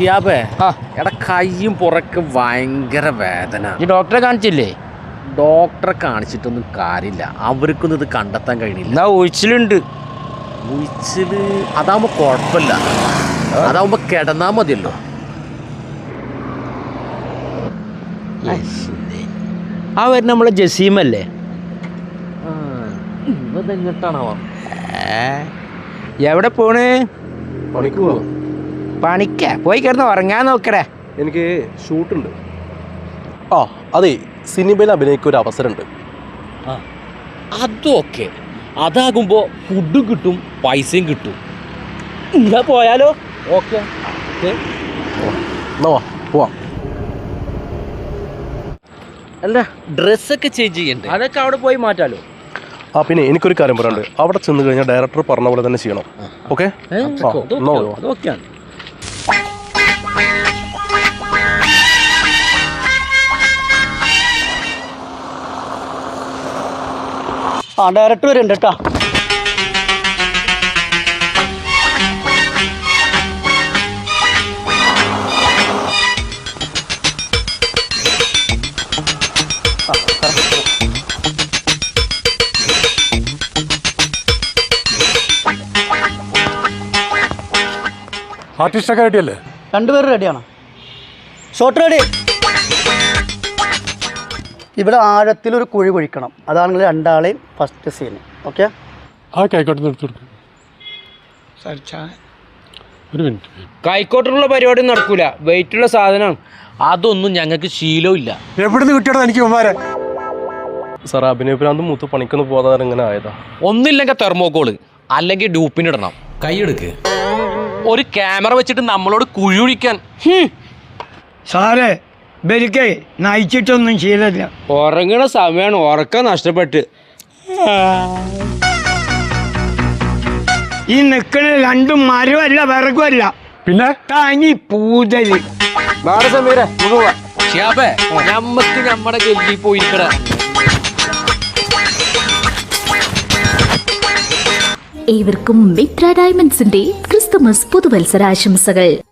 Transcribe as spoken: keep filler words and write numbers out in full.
ഷിയാബേ എടാ കയ്യും പുറക്ക് ഭയങ്കര വേദന. ഈ ഡോക്ടറെ കാണിച്ചില്ലേ? ഡോക്ടറെ കാണിച്ചിട്ടൊന്നും കാര്യമില്ല, അവർക്കൊന്നും ഇത് കണ്ടെത്താൻ കഴിയില്ല. എന്നാ ഉഴിച്ചിലുണ്ട്. ഉഴിച്ചില് അതാവുമ്പോ കുഴപ്പമില്ല, അതാവുമ്പോ കിടന്നാ മതിയല്ലോ. ആ വരുന്ന നമ്മളെ ജസീമല്ലേ? ഇതെങ്ങട്ടാണോ? എവിടെ പോണ്? പണിക്ക് പോകണം. പണിക്ക പോയി കിടന്ന് ഉറങ്ങാൻ നോക്കടേ. എനിക്ക് ഷൂട്ടുണ്ട്. ആ അതെ, സിനിമയിൽ അഭിനയിക്കാൻ ഒരു അവസരമുണ്ട്. ആ അതൊക്കെ അതാകുമ്പോ ഫുഡും കിട്ടും പൈസയും കിട്ടും. എന്നാ പോയാലോ? ഓക്കെ എന്നാ വാ പോവാം. അല്ല ഡ്രസ്സൊക്കെ ചേഞ്ച് ചെയ്യണ്ടേ? അതൊക്കെ അവിടെ പോയി മാറ്റാലോ. ആ പിന്നെ എനിക്കൊരു കാര്യം പറയാനുണ്ട്. അവിടെ ചെന്ന് കഴിഞ്ഞാൽ ഡയറക്ടർ പറഞ്ഞ പോലെ തന്നെ ചെയ്യണം. ഓക്കെ? അതൊക്കെയാണ്. ആ ഡയറക്ടർ വരുന്നുണ്ട് കേട്ടോ. ആർട്ടിസ്റ്റൊക്കെ റെഡിയല്ലേ? രണ്ടുപേരും റെഡിയാണ്. Shot ready. ഇവിടെ ആഴത്തിലൊരു കുഴി കുഴിക്കണം. അതാണെങ്കിൽ രണ്ടാളെയും ഫസ്റ്റ് സീന്. ഓക്കെ? ആ കൈക്കോട്ട് എടുത്തു കൊടുക്കും. ഒരു മിനിറ്റ്. കൈക്കോട്ടുള്ള പരിപാടി നടക്കൂല, വെയിറ്റുള്ള സാധനമാണ്. അതൊന്നും ഞങ്ങൾക്ക് ശീലവും ഇല്ല. എവിടുന്ന് കിട്ടിയോ എനിക്ക് ഉമ്മാരെ? സാർ അഭിനയഭ്രാന്ത് മൂത്ത് പണിക്കൊന്ന് പോകാതെ ഇങ്ങനെ ആയതാ. ഒന്നില്ലെങ്കിൽ തെർമോക്കോള് അല്ലെങ്കിൽ ഡൂപ്പിനിടണം. കൈയെടുക്ക്. ഒരു ക്യാമറ വെച്ചിട്ട് നമ്മളോട് കുഴിയൊഴിക്കാൻ. സാറേ ബലിക്കേ നയിച്ചിട്ടൊന്നും ശീലമില്ല. ഉറങ്ങണ സമയമാണ്, ഉറക്കം നഷ്ടപ്പെട്ട്. ഈ നിൽക്കണ രണ്ടും മരമല്ല വിറകുമല്ല, പിന്നെ തനി പൂതല്. ഷിയാബേ ഞമ്മക്ക് നമ്മുടെ ഗല്ലി പോയിരിക്കട. ഏവർക്കും മിത്ര ഡയമണ്ട്സിന്റെ ക്രിസ്തുമസ് പുതുവത്സരാശംസകൾ.